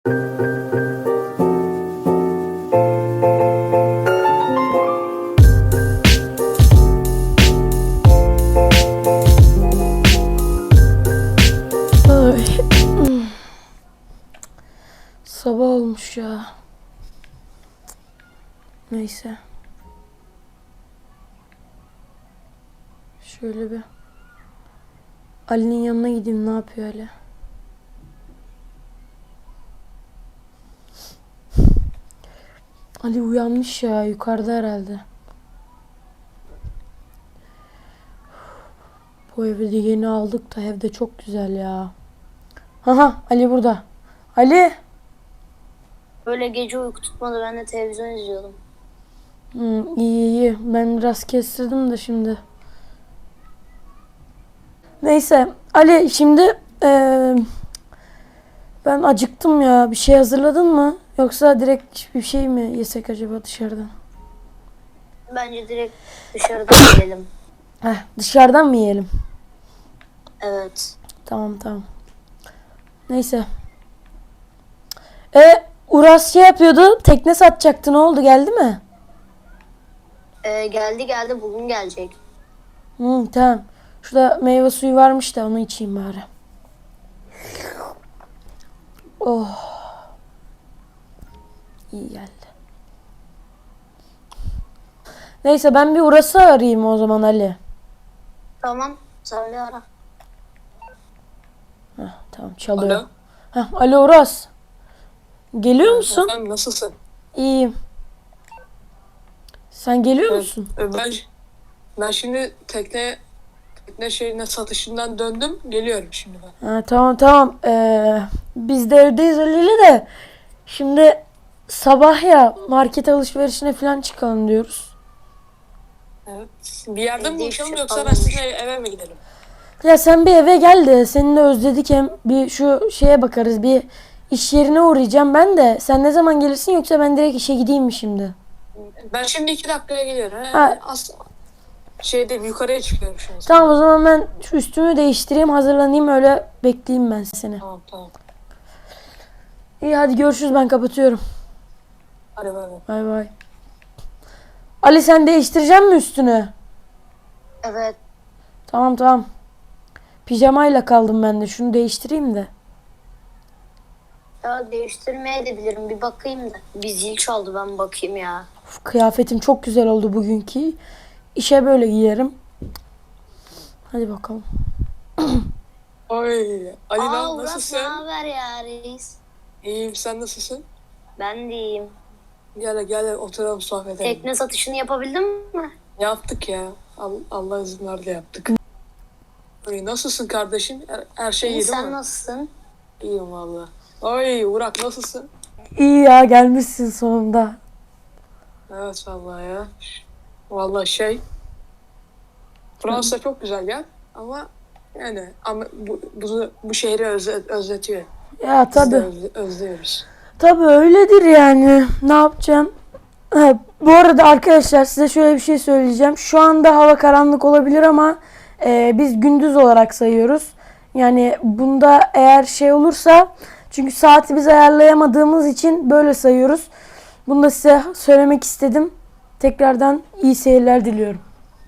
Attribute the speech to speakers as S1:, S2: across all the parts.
S1: Ay. Sabah olmuş ya. Neyse. Şöyle bir Ali'nin yanına gideyim, ne yapıyor Ali? Ali uyanmış ya, yukarıda herhalde. Bu evi de yeni aldık da evde çok güzel ya. Aha, Ali burada. Ali.
S2: Böyle gece uyku tutmadı. Ben de televizyon izliyordum.
S1: İyi iyi. Ben biraz kestirdim de şimdi. Neyse. Ali şimdi ben acıktım ya. Bir şey hazırladın mı? Yoksa direkt bir şey mi yesek acaba dışarıdan?
S2: Bence direkt dışarıdan yiyelim.
S1: Dışarıdan mı yiyelim?
S2: Evet.
S1: Tamam tamam. Neyse. Uras şey yapıyordu. Tekne satacaktı. Ne oldu? Geldi mi?
S2: Geldi bugün gelecek.
S1: Tamam. Şurada meyve suyu varmış da onu içeyim bari. Oh. İyi geldi. Neyse ben bir Uras'ı arayayım o zaman Ali.
S2: Tamam. Sen bir ara.
S1: Tamam çalıyor.
S3: Alo.
S1: Alo Uras. Geliyor musun?
S3: Efendim, nasılsın?
S1: İyiyim. Sen geliyor musun?
S3: Ben şimdi tekne şehrine satışından döndüm. Geliyorum şimdi ben.
S1: Tamam. Biz de evdeyiz Ali'yle de. Şimdi sabah ya market alışverişine falan çıkalım diyoruz.
S3: Evet. Bir yerde mi
S2: Evde
S3: buluşalım
S2: işte
S3: yoksa ben
S2: kalmamış.
S3: sizin eve mi gidelim?
S1: Ya sen bir eve gel de seni de özledik, hem bir şu şeye bakarız, bir iş yerine uğrayacağım ben de. Sen ne zaman gelirsin, yoksa ben direkt işe gideyim mi şimdi?
S3: Ben şimdi 2 dakikaya geliyorum.
S1: Ha.
S3: Yukarıya çıkıyorum şimdi.
S1: Tamam, o zaman ben şu üstümü değiştireyim, hazırlanayım, öyle bekleyeyim ben seni.
S3: Tamam.
S1: İyi hadi görüşürüz, ben kapatıyorum.
S3: Hadi bay.
S1: Bay bay. Ali sen değiştirecek mi üstünü?
S2: Evet.
S1: Tamam. Pijamayla kaldım ben de, şunu değiştireyim de.
S2: Ya değiştirmeye de bilirim. Bir bakayım da. Bir zil çaldı, ben bakayım ya.
S1: Uf, kıyafetim çok güzel oldu bugünkü. İşe böyle giyerim. Hadi bakalım.
S3: Oy. Ali
S2: Uras, ne
S3: nasılsın?
S2: haber ya reis?
S3: İyiyim, sen nasılsın?
S2: Ben de iyiyim.
S3: Gel oturalım, sohbet edelim.
S2: Tekne satışını yapabildin mi?
S3: Yaptık ya. Allah izin verdi, yaptık. Oy, nasılsın kardeşim? Her şey iyi
S2: İyi,
S3: değil
S2: sen
S3: mi?
S2: nasılsın?
S3: İyiyim valla. Oy Burak, nasılsın?
S1: İyi ya, gelmişsin sonunda.
S3: Evet vallahi ya. Vallahi Fransa çok güzel yer ama bu şehri özletiyor.
S1: Ya
S3: Biz de
S1: tabii.
S3: özlüyoruz.
S1: Tabii öyledir yani. Ne yapacağım? Bu arada arkadaşlar size şöyle bir şey söyleyeceğim. Şu anda hava karanlık olabilir ama biz gündüz olarak sayıyoruz. Yani bunda eğer şey olursa, çünkü saati biz ayarlayamadığımız için böyle sayıyoruz. Bunu da size söylemek istedim. Tekrardan iyi seyirler diliyorum.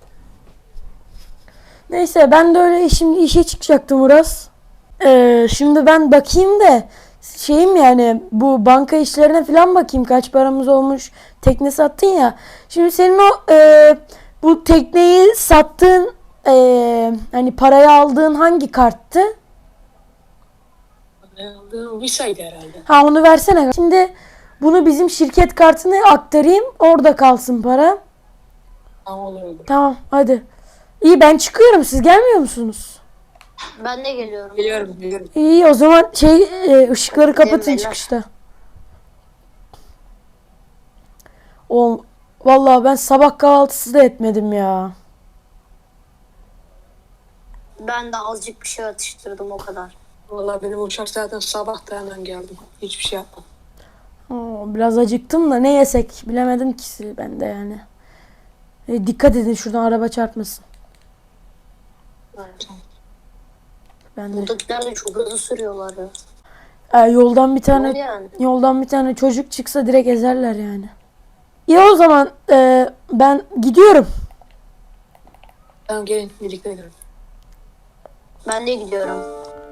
S1: Neyse ben de öyle şimdi işe çıkacaktım Uras. Şimdi ben bakayım da yani bu banka işlerine falan bakayım, kaç paramız olmuş. Tekne sattın ya. Şimdi senin o bu tekneyi sattığın hani parayı aldığın hangi karttı?
S3: Visa'ydı herhalde.
S1: Ha, onu versene. Şimdi bunu bizim şirket kartına aktarayım. Orada kalsın para.
S3: Tamam, olur.
S1: Tamam hadi. İyi, ben çıkıyorum. Siz gelmiyor musunuz?
S2: Ben de geliyorum.
S3: Geliyorum.
S1: İyi o zaman ışıkları kapatın
S2: beyler.
S1: çıkışta. Vallahi ben sabah kahvaltısı da etmedim ya.
S2: Ben de azıcık bir şey atıştırdım, o kadar.
S3: Vallahi benim uçak zaten sabah da hemen geldim. Hiçbir şey yapmadım.
S1: Biraz acıktım da ne yesek bilemedim ki ben de yani. Dikkat edin, şuradan araba çarpmasın.
S2: Evet.
S1: Ben de.
S2: Buradakiler de çok hızlı sürüyorlar ya.
S1: Yoldan bir
S2: Ne
S1: tane
S2: oldu yani?
S1: yoldan bir tane çocuk çıksa direkt ezerler yani. İyi o zaman ben gidiyorum.
S3: Tamam gelin birlikte gidelim.
S2: Ben de gidiyorum.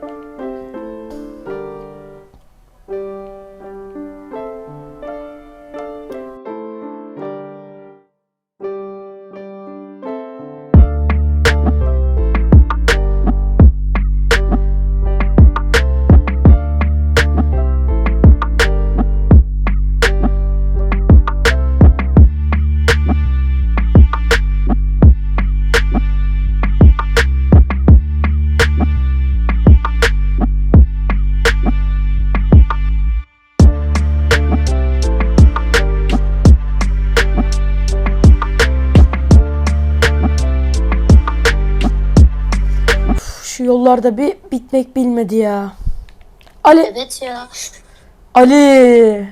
S1: Şu yollarda bir bitmek bilmedi ya. Ali,
S2: Evet ya.
S1: Ali,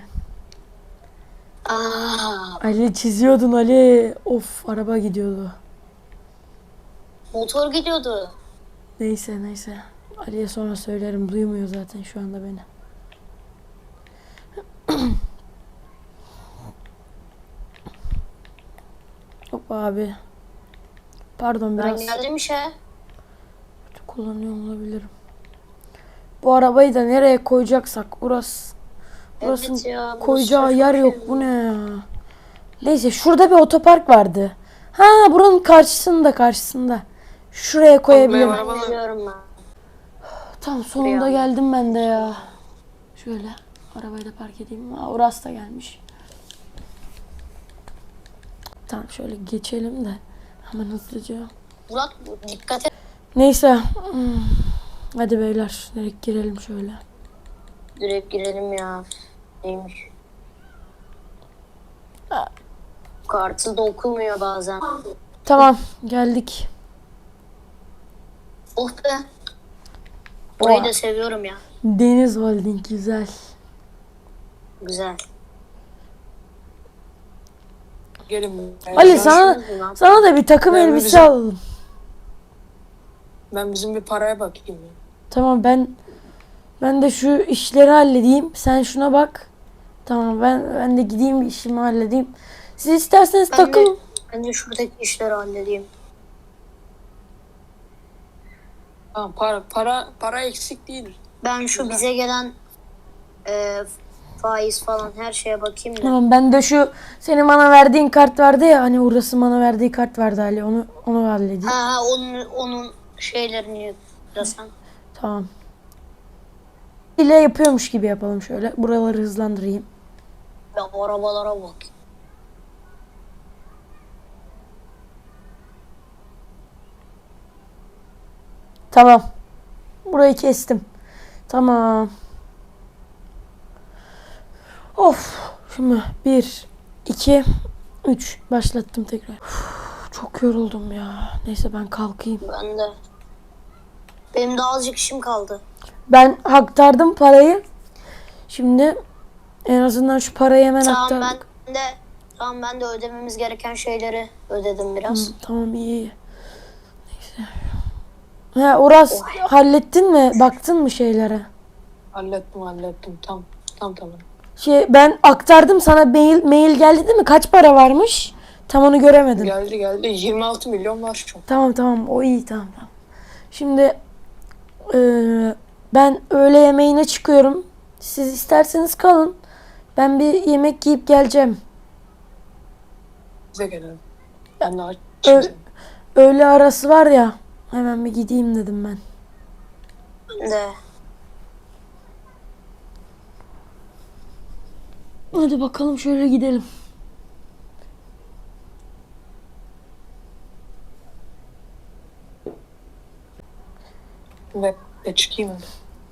S2: Aa,
S1: Ali çiziyordun Ali. Of araba gidiyordu.
S2: motor gidiyordu.
S1: Neyse neyse. Ali'ye sonra söylerim. Duymuyor zaten şu anda beni. Hop abi. Pardon
S2: Ben
S1: biraz
S2: geldim işe.
S1: kötü kullanıyor olabilirim. Bu arabayı da nereye koyacaksak burasının
S2: Evet ya. burası
S1: koyacağı
S2: çok
S1: yer
S2: şey.
S1: yok. Bu ne ya? Neyse şurada bir otopark vardı. Ha buranın karşısında. Şuraya koyabilirim.
S3: Arabaya
S2: Ben geliyorum ben.
S1: Tam sonunda
S2: Buraya.
S1: geldim ben de ya. Şöyle arabayı da park edeyim. Aa, Uras da gelmiş. Tamam şöyle geçelim de hemen hızlıca.
S2: Burak dikkat et.
S1: Neyse. Hadi beyler direkt girelim şöyle.
S2: Direkt girelim ya. Neymiş? Kartı da okumuyor bazen.
S1: Tamam geldik.
S2: Oh be. Burayı
S1: Oha.
S2: da seviyorum ya.
S1: Deniz Holding güzel.
S2: Güzel.
S3: Gelin.
S1: Ali
S3: Ben-
S1: sana da bir takım
S3: Ben
S1: elbise
S3: bizim-
S1: alalım.
S3: Ben bizim bir paraya bakayım. Ya.
S1: Tamam ben de şu işleri halledeyim. Sen şuna bak. Tamam ben de gideyim bir işimi halledeyim. Siz isterseniz takıl.
S2: Ben de şuradaki işleri halledeyim.
S3: Tamam para eksik değil.
S2: Ben şu bize gelen faiz falan her şeye bakayım da.
S1: Tamam ben de şu senin bana verdiğin kart vardı ya hani Uras'ın bana verdiği kart vardı Ali onu halledeyim.
S2: Ha onun şeylerini yüklesen.
S1: Tamam. İle yapıyormuş gibi yapalım şöyle. Buraları hızlandırayım.
S2: Ben o arabalara bak.
S1: Tamam. Burayı kestim. Tamam. Of. Şimdi 1, 2, 3 başlattım tekrar. Uf, çok yoruldum ya. Neyse ben kalkayım.
S2: Ben de. Benim de azıcık işim kaldı.
S1: Ben aktardım parayı. Şimdi en azından şu parayı hemen
S2: Tamam
S1: aktardık.
S2: ben de ödememiz gereken şeyleri ödedim biraz.
S1: Tamam iyi. Neyse. Ha Uras hallettin mi? Baktın mı şeylere?
S3: Hallettim. Tamam.
S1: Ben aktardım sana mail geldi değil mi? Kaç para varmış? Tam onu göremedim.
S3: Geldi. 26 milyon var şu an.
S1: Tamam o iyi tamam. Şimdi ben öğle yemeğine çıkıyorum. Siz isterseniz kalın. Ben bir yemek yiyip geleceğim.
S3: Bize gelelim. Ben de
S1: Ö-
S3: açım.
S1: öğle arası var ya. Hemen bir gideyim dedim ben.
S2: Ben de.
S1: Hadi bakalım şöyle gidelim.
S3: Ve çıkayım hadi.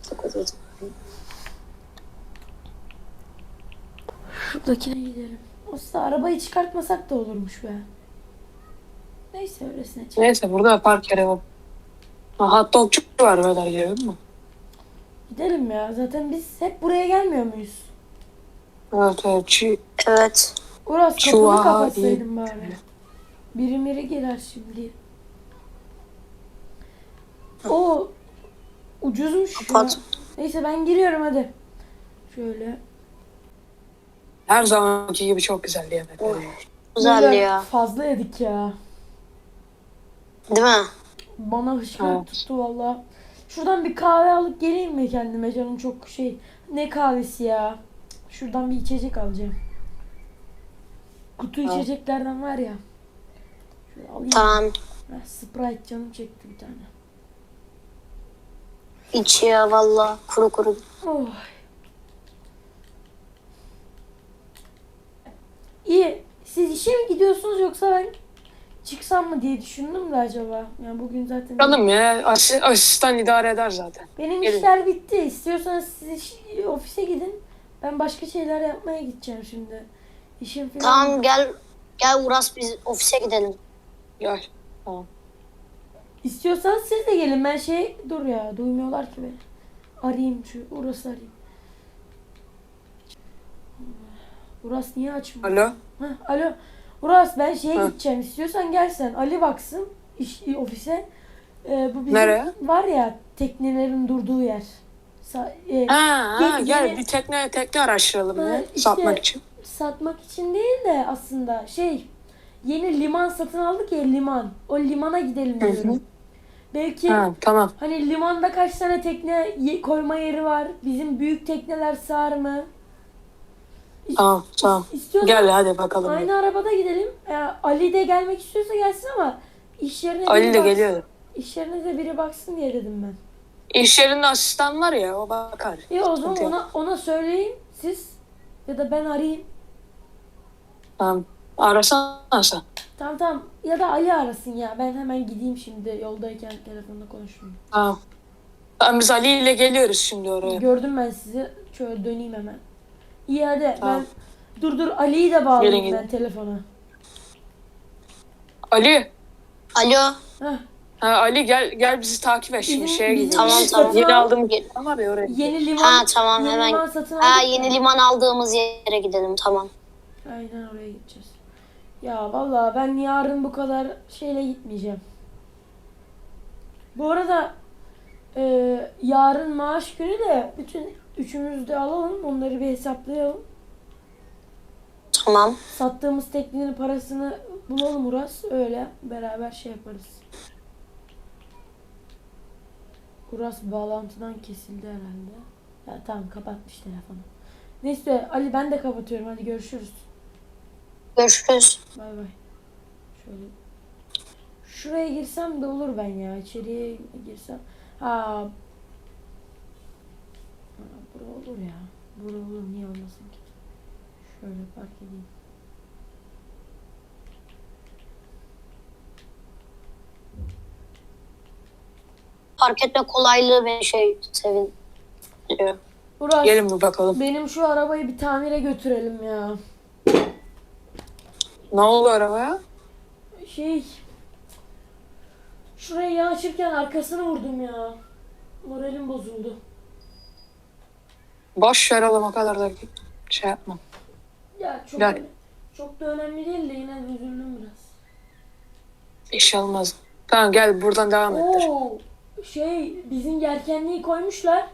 S1: Şuradakine gidelim. Aslında arabayı çıkartmasak da olurmuş be. Neyse öylesine çık.
S3: Neyse burada park yeri var. Hot dogçu var böyle değil mi?
S1: Gidelim ya. Zaten biz hep buraya gelmiyor muyuz?
S3: Evet.
S2: Evet.
S1: Uras
S3: Şu
S1: kapını
S3: an
S1: kapatsaydın bari. Biri gelir şimdi. O ucuzmuş ya.
S2: Kapat.
S1: Neyse ben giriyorum hadi. Şöyle.
S3: Her zamanki gibi çok güzeldi yemekler.
S2: Oy. Güzeldi
S1: Böyle
S2: ya.
S1: fazla yedik ya.
S2: Değil mi?
S1: Bana hışkırık
S3: Evet.
S1: tuttu valla. Şuradan bir kahve alıp geleyim mi kendime? Canım çok şey. Ne kahvesi ya? Şuradan bir içecek alacağım. Kutu
S3: Tamam.
S1: içeceklerden var ya. Şöyle alayım.
S2: Tamam.
S1: Sprite canım çekti bir tane.
S2: İç ya valla. Kuru kuru.
S1: Oh. İyi. Siz işe mi gidiyorsunuz yoksa ben çıksam mı diye düşündüm de acaba. Yani bugün zaten
S3: Bakalım ya. Asistan idare eder zaten.
S1: benim
S3: Gelin.
S1: işler bitti. İstiyorsanız siz ofise gidin. Ben başka şeyler yapmaya gideceğim şimdi. İşim falan.
S2: Tamam gel. Gel Uras biz ofise gidelim.
S3: Gel. Tamam.
S1: İstiyorsanız siz de gelin. Ben dur ya, duymuyorlar ki beni. Arayayım Uras'ı arayayım. Uras niye açmıyor?
S3: Alo.
S1: Alo. Uras ben
S3: Ha.
S1: gideceğim. İstiyorsan gel sen. Ali baksın ofise. Bu bizim
S3: Nereye?
S1: var ya teknelerin durduğu yer.
S3: Gel
S1: yeni-
S3: bir tekne araştıralım
S1: Ha,
S3: ya.
S1: işte-
S3: Satmak için.
S1: Satmak için değil de aslında yeni liman satın aldık ya, liman. O limana gidelim
S3: Hı hı.
S1: diyorum. Belki
S3: Tamam.
S1: hani limanda kaç tane tekne koyma yeri var? Bizim büyük tekneler sığar mı?
S3: Tamam.
S1: İstiyorsan
S3: Gel hadi bakalım.
S1: aynı arabada gidelim. Ali de gelmek istiyorsa gelsin ama iş yerine
S3: Ali
S1: biri
S3: de
S1: baksın.
S3: geliyor.
S1: İş yerine de biri baksın diye dedim ben.
S3: İş yerinde asistan var ya, o bakar.
S1: İyi o zaman
S3: Sıkıntı yok.
S1: ona söyleyin siz ya da ben arayayım.
S3: Tamam. Arasana sen.
S1: Tamam ya da Ali arasın ya. Ben hemen gideyim şimdi, yoldayken telefonda konuşurum.
S3: Tamam. Biz Ali ile geliyoruz şimdi oraya.
S1: Gördüm ben sizi. Şöyle döneyim hemen. İyi hadi
S3: Tamam.
S1: ben dur Ali'yi de bağlayayım
S3: Gelin,
S1: ben telefona.
S3: Ali.
S2: Alo.
S1: Heh.
S3: Ali gel bizi takip et şimdi
S1: Bizim-
S3: şeye
S1: bizim
S3: gidiyoruz.
S2: Tamam, tamam.
S3: Yeni aldığım var ya oraya.
S1: Yeni liman.
S2: Ha tamam
S1: yeni
S2: hemen.
S1: liman satın
S2: Ha
S1: aldık
S2: yeni
S1: ya.
S2: liman aldığımız yere gidelim tamam.
S1: Aynen oraya gideceğiz. Ya vallahi ben yarın bu kadar şeyle gitmeyeceğim. Bu arada yarın maaş günü de bütün üçümüz de alalım. Onları bir hesaplayalım.
S2: Tamam.
S1: Sattığımız teknenin parasını bulalım Uras. Öyle beraber şey yaparız. Uras bağlantıdan kesildi herhalde. Ya tamam, kapatmış telefonu. Neyse Ali, ben de kapatıyorum. Hadi görüşürüz.
S2: Görüşürüz.
S1: Bay bay. Şöyle. Şuraya girsem de olur ben ya. İçeriye girsem. Ha. Bura olur ya. Bura olur, niye olmasın ki? Şöyle park edeyim.
S2: Fark etme kolaylığı beni sevin.
S1: Uras,
S3: Gelin bir bakalım.
S1: benim şu arabayı bir tamire götürelim ya.
S3: Ne oldu arabaya?
S1: Şuraya yanaşırken arkasını vurdum ya. Moralim bozuldu.
S3: Boş ver oğlum, o kadar da şey yapma.
S1: Ya
S3: Gel.
S1: çok da önemli değil de yine de üzüldüm biraz.
S3: Bir şey olmaz. Tamam gel buradan devam ettir.
S1: Oo, bizim yelkenliği koymuşlar.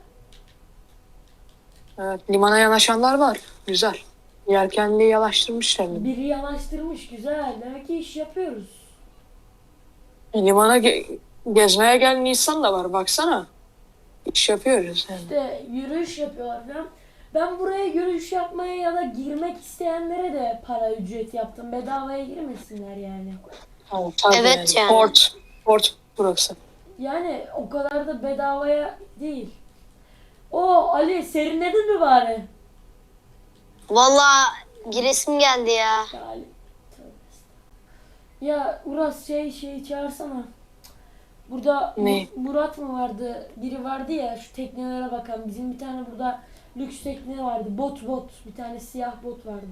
S3: Evet, limana yanaşanlar var. Güzel. Yelkenliği yanaştırmışlar.
S1: Biri yanaştırmış, güzel. Demek ki iş yapıyoruz.
S3: Limana gezmeye gel Nisan da var, baksana. İş yapıyoruz yani.
S1: İşte yürüyüş yapıyorlar falan. Ben buraya yürüyüş yapmaya ya da girmek isteyenlere de para ücret yaptım. Bedavaya girmesinler yani.
S3: Tamam, tabii
S2: Evet yani.
S3: Port burası.
S1: Yani o kadar da bedavaya değil. Ali, serinledin mi bari?
S2: Valla giresim geldi ya.
S1: Ya Ali, tövbe estağfurullah. Ya Uras çağırsana. Burada
S3: Ne?
S1: Murat mı vardı? Biri vardı ya, şu teknelere bakan. Bizim bir tane burada lüks tekne vardı. Bot. Bir tane siyah bot vardı.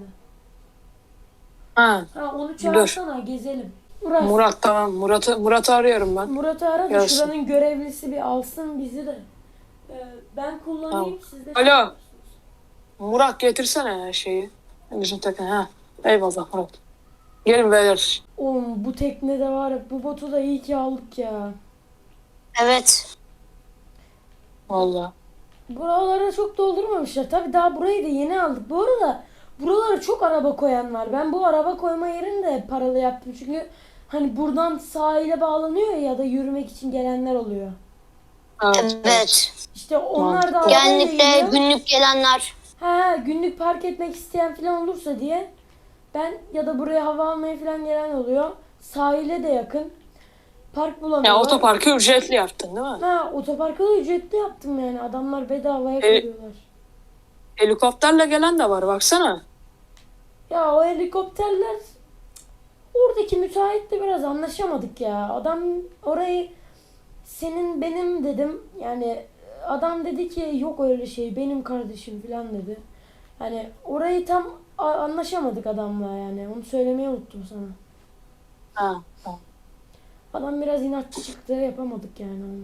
S3: Ha,
S1: Onu çağırsana, gezelim. Uras,
S3: Murat tamam. Murat'ı arıyorum ben.
S1: Murat'ı ara da
S3: Gelsin.
S1: şuranın görevlisi bir alsın bizi de. Ben kullanayım, siz de.
S3: Alo. Murat getirsene ya şeyi. Bizim tekne ha. Eyvallah Murat. Gelin beyler.
S1: Oğlum bu teknede var ya, bu botu da iyi ki aldık ya.
S2: Evet.
S3: Vallahi.
S1: Buralara çok doldurmamışlar. Tabii daha burayı da yeni aldık. Bu arada buralara çok araba koyan var. Ben bu araba koyma yerini de paralı yaptım. Çünkü hani buradan sahile bağlanıyor ya da yürümek için gelenler oluyor.
S2: Evet.
S1: İşte onlar da arabayla
S2: Genellikle
S1: geliyor.
S2: günlük gelenler.
S1: Günlük park etmek isteyen falan olursa diye ben ya da buraya hava almaya falan gelen oluyor. Sahile de yakın. Park bulamıyorlar.
S3: Ya otoparkı ücretli yaptın değil mi?
S1: Otoparkı da ücretli yaptım yani. Adamlar bedavaya koyuyorlar.
S3: Helikopterle gelen de var baksana.
S1: Ya o helikopterler oradaki müteahhitle biraz anlaşamadık ya. Adam orayı senin benim dedim. Yani adam dedi ki yok öyle şey benim kardeşim falan dedi. Yani orayı tam anlaşamadık adamla yani. Onu söylemeyi unuttum sana.
S3: Ha.
S1: Adam biraz inatçı çıktı. Yapamadık yani onu.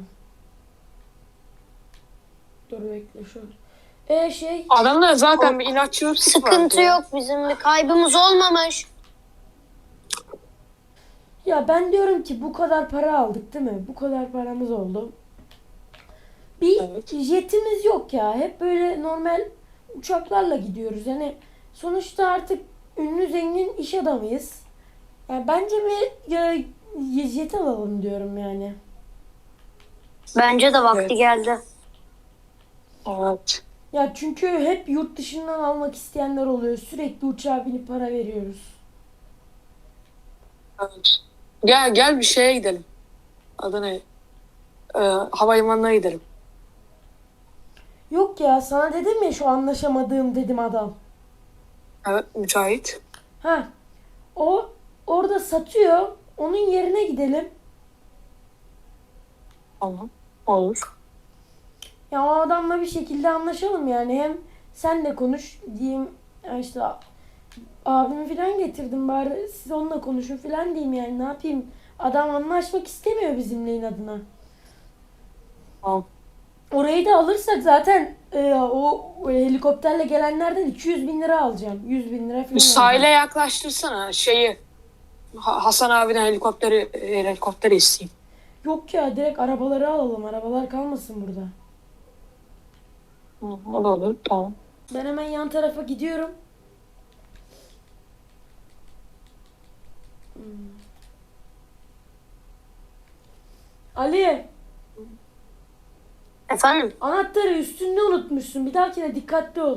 S1: Dur bekle şöyle.
S3: Adamda zaten bir inatçılık
S2: Sıkıntı
S3: var.
S2: yok, bizim bir kaybımız olmamış.
S1: Ya ben diyorum ki bu kadar para aldık değil mi? Bu kadar paramız oldu. Bir
S3: Evet.
S1: jetimiz yok ya. Hep böyle normal uçaklarla gidiyoruz. Yani sonuçta artık ünlü zengin iş adamıyız. Yani bence bir jet alalım diyorum yani.
S2: Bence de vakti
S3: Evet.
S2: geldi.
S3: Evet.
S1: Ya çünkü hep yurt dışından almak isteyenler oluyor. Sürekli uçağa binip para veriyoruz.
S3: Evet. Gel bir şeye gidelim. Adı ne? Havalimanına gidelim.
S1: Yok ya sana dedim ya şu anlaşamadığım dedim adam.
S3: Evet, müteahhit.
S1: Ha, o orada satıyor. Onun yerine gidelim.
S3: Tamam. Olur.
S1: Ya o adamla bir şekilde anlaşalım yani. Hem sen de konuş diyeyim. Ya işte abimi falan getirdim bari siz onunla konuşun falan diyeyim yani. Ne yapayım? Adam anlaşmak istemiyor bizimle inadına.
S3: Tamam.
S1: Orayı da alırsak zaten o helikopterle gelenlerden 200 bin lira alacağım. 100 bin lira falan
S3: Bir sahile
S1: alacağım.
S3: yaklaştırsana şeyi. Hasan abiden helikopteri isteyeyim.
S1: Yok ya direkt arabaları alalım. Arabalar kalmasın burada.
S3: O da olur. Tamam.
S1: Ben hemen yan tarafa gidiyorum. Hmm. Ali,
S2: Efendim?
S1: anahtarı üstünde unutmuşsun. Bir dahakine dikkatli ol.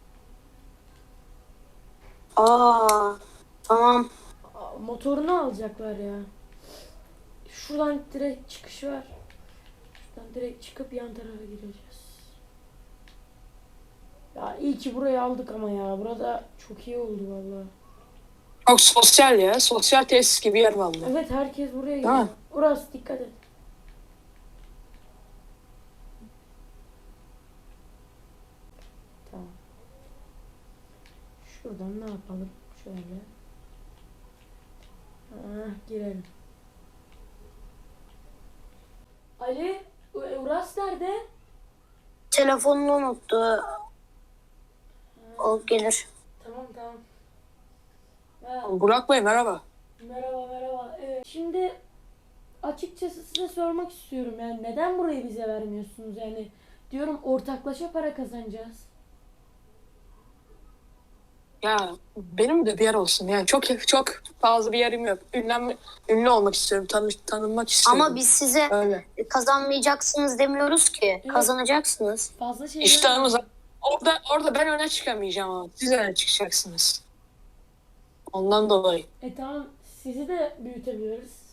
S2: Tamam.
S1: Motorunu alacaklar ya. Şuradan direkt çıkış var. Şuradan direkt çıkıp yan tarafa gireceğiz. Ya iyi ki burayı aldık ama ya. Burada çok iyi oldu vallahi.
S3: Çok sosyal ya. Sosyal tesis gibi yer vallahi.
S1: Evet herkes buraya
S3: Değil
S1: gidiyor.
S3: mi?
S1: Orası dikkat et. Tamam. Şuradan ne yapalım? Şöyle. Girelim. Ali, Uras nerede?
S2: Telefonunu unuttu. O gelir.
S1: Tamam.
S3: Burak Bey merhaba.
S1: Merhaba. Şimdi açıkçası size sormak istiyorum yani neden burayı bize vermiyorsunuz yani diyorum ortaklaşa para kazanacağız.
S3: Ya benim de bir yer olsun. Yani çok fazla bir yerim yok. Ünlü olmak istiyorum. Tanınmak istiyorum.
S2: Ama biz size
S3: Öyle.
S2: kazanmayacaksınız demiyoruz ki. Kazanacaksınız.
S1: Fazla şeyler
S3: İştahımız orada ben öne çıkamayacağım ama siz öne çıkacaksınız. Ondan dolayı.
S1: Tamam sizi de büyütebiliriz.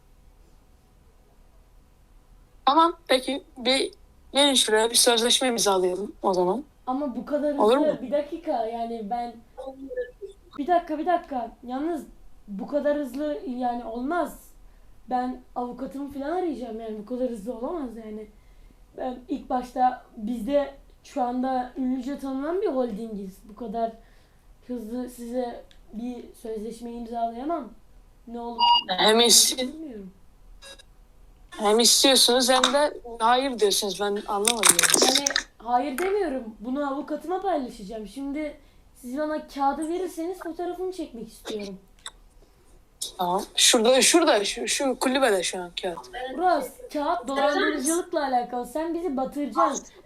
S3: Tamam peki gelin şuraya bir sözleşme imzalayalım o zaman.
S1: Ama bu kadar
S3: Olur
S1: hızlı
S3: mu?
S1: bir dakika yani ben bir dakika yalnız bu kadar hızlı yani olmaz. Ben avukatımı falan arayacağım yani bu kadar hızlı olamaz yani. Ben ilk başta bizde şu anda ünlüce tanınan bir holdingiz. Bu kadar hızlı size bir sözleşme imzalayamam. Ne olur bilmiyorum.
S3: Hem istiyorsunuz hem de hayır diyorsunuz. Ben anlamadım yani.
S1: Yani hayır demiyorum. Bunu avukatıma paylaşacağım. Şimdi siz bana kağıdı verirseniz fotoğrafını çekmek istiyorum.
S3: Tamam. Şu kulübede şu an kağıt.
S1: Burası kağıt dolandırıcılıkla alakalı. Sen bizi batıracaksın.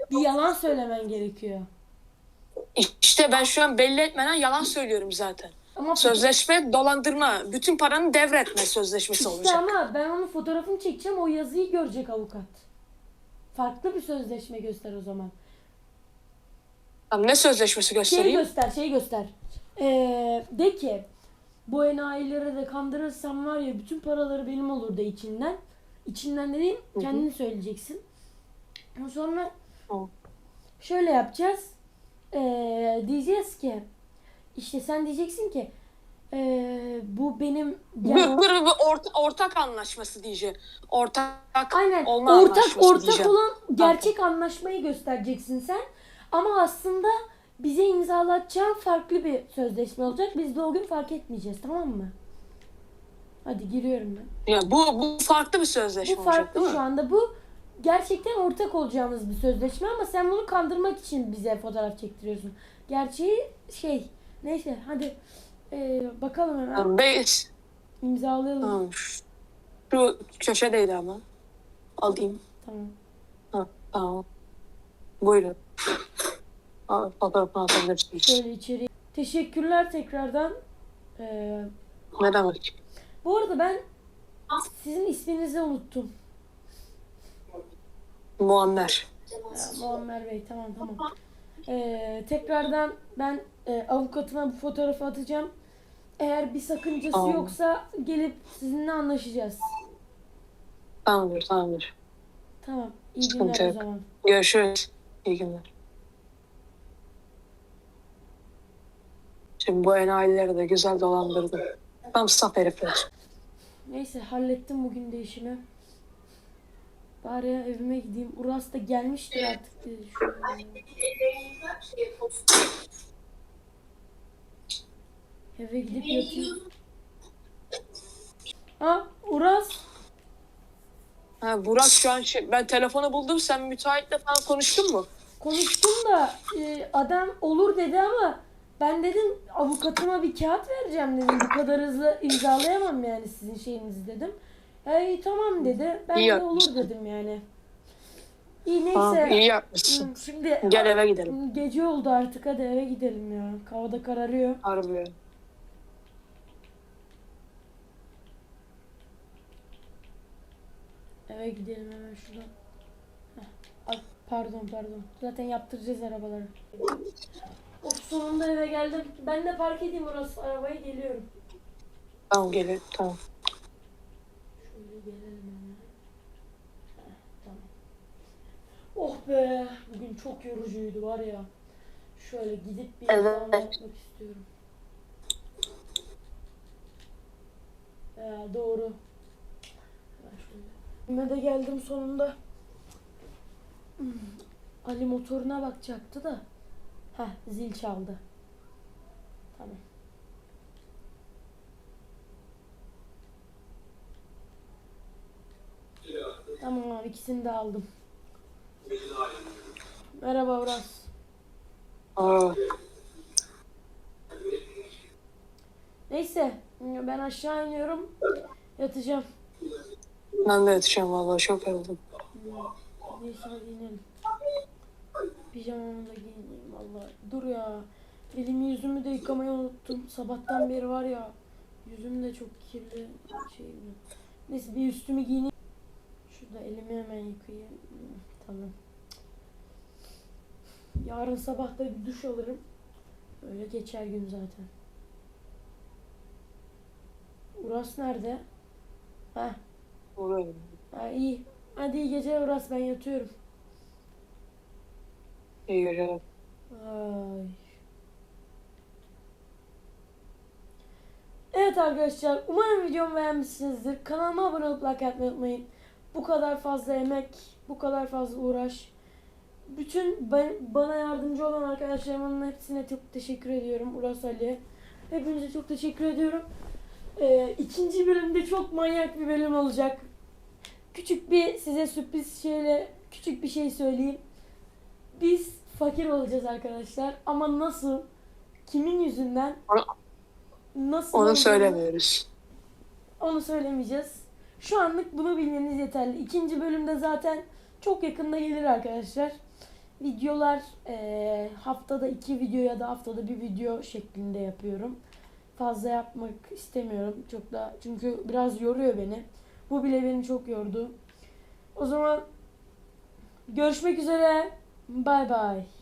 S1: bir yalan söylemen gerekiyor.
S3: İşte ben şu an belli etmeden yalan söylüyorum zaten.
S1: Ama
S3: Sözleşme dolandırma. Bütün paranı devretme sözleşmesi
S1: işte
S3: olacak.
S1: ama ben onun fotoğrafını çekeceğim, o yazıyı görecek avukat. Farklı bir sözleşme göster o zaman.
S3: Tamam, ne sözleşmesi
S1: Şeyi
S3: göstereyim?
S1: göster, şeyi göster. De ki bu enayileri de kandırırsam var ya bütün paraları benim olur de içinden. İçinden dediğin kendini söyleyeceksin. Sonra şöyle yapacağız. Diyeceğiz ki işte sen diyeceksin ki bu benim
S3: Ortak anlaşması diyeceğim. Ortak
S1: aynen
S3: olma anlaşması
S1: ortak
S3: diyeceğim.
S1: olan gerçek anlaşmayı göstereceksin sen. Ama aslında bize imzalatacağın farklı bir sözleşme olacak. Biz de o gün fark etmeyeceğiz, tamam mı? Hadi giriyorum ben.
S3: Ya bu farklı bir sözleşme
S1: Bu
S3: olacak
S1: farklı
S3: değil mi?
S1: şu anda. Bu gerçekten ortak olacağımız bir sözleşme ama sen bunu kandırmak için bize fotoğraf çektiriyorsun. Gerçeği neyse hadi bakalım hemen.
S3: Tamam,
S1: İmzalayalım.
S3: tamam. Şu köşedeydi ama. Alayım.
S1: Tamam.
S3: Ha, tamam. Buyurun. Fotoğrafını atabilirsiniz.
S1: Şöyle içeri. Teşekkürler tekrardan.
S3: Ne demek?
S1: Bu arada ben sizin isminizi unuttum.
S3: Muammer.
S1: Muammer Bey, tamam. Tekrardan ben avukatıma bu fotoğrafı atacağım. Eğer bir sakıncası
S3: Tamam.
S1: yoksa gelip sizinle anlaşacağız.
S3: Tamamdır.
S1: Tamam. İyi
S3: Sıkıntı
S1: günler o
S3: yok.
S1: zaman.
S3: Görüşürüz. İyi günler. Şimdi bu enayileri de güzel dolandırdım. Tam saf herifler.
S1: Neyse hallettim bugün de işimi. Bari evime gideyim. Uras da gelmiştir artık diye düşünüyorum. Eve gidip yatayım. Ha Uras.
S3: Ha, Burak şu an ben telefonu buldum. Sen müteahhitle falan konuştun mu?
S1: Konuştum da adam olur dedi ama ben dedim avukatıma bir kağıt vereceğim dedim. Bu kadar hızlı imzalayamam yani sizin şeyinizi dedim. İyi tamam dedi. Ben
S3: İyi
S1: de olur
S3: yapmışsın.
S1: dedim yani. İyi neyse.
S3: Tamam, iyi yapmışsın.
S1: Şimdi
S3: Gel eve gidelim.
S1: gece oldu artık, hadi eve gidelim ya. Havada kararıyor.
S3: Harbi.
S1: Eve gidelim hemen şuradan. Pardon. Zaten yaptıracağız arabaları. Sonunda eve geldim. Ben de park edeyim orası. Arabayı geliyorum.
S3: Tamam gelin. Tamam.
S1: Şöyle gelelim hemen. Tamam. Oh be. Bugün çok yorucuydu var ya. Şöyle gidip bir imzalama yapmak istiyorum. Doğru. Evime de geldim sonunda. Ali motoruna bakacaktı da. Zil çaldı. Tamam. Tamam abi, ikisini de aldım. Merhaba Uras.
S3: Aa,
S1: Neyse ben aşağı iniyorum. Yatacağım.
S3: ben de yatacağım vallahi, çok yoruldum.
S1: Neyse hadi inelim. Pijamamı da giyineyim vallahi. Dur ya. Elimi yüzümü de yıkamayı unuttum. Sabahtan beri var ya. Yüzüm de çok kirli. Neyse bir üstümü giyineyim. Şurada elimi hemen yıkayayım. Tamam. Yarın sabah da bir duş alırım. Öyle geçer gün zaten. Uras nerede?
S3: Oraya.
S1: İyi. Hadi iyi geceler Uras, ben yatıyorum.
S3: İyi geceler.
S1: Ay. Evet arkadaşlar, umarım videomu beğenmişsinizdir. Kanalıma abone olup like atmayı unutmayın. Bu kadar fazla emek, bu kadar fazla uğraş. Bütün bana yardımcı olan arkadaşlarımın hepsine çok teşekkür ediyorum. Uras, Ali. Hepinize çok teşekkür ediyorum. İkinci bölümde çok manyak bir bölüm olacak. Size sürpriz küçük bir şey söyleyeyim. Biz fakir olacağız arkadaşlar. Ama nasıl? Kimin yüzünden? Nasıl?
S3: Onu söylemiyoruz.
S1: Onu söylemeyeceğiz. Şu anlık bunu bilmeniz yeterli. İkinci bölümde zaten çok yakında gelir arkadaşlar. videolar haftada 2 video ya da haftada bir video şeklinde yapıyorum. Fazla yapmak istemiyorum. Çok da çünkü biraz yoruyor beni. Bu bile beni çok yordu. O zaman görüşmek üzere. Bay bay.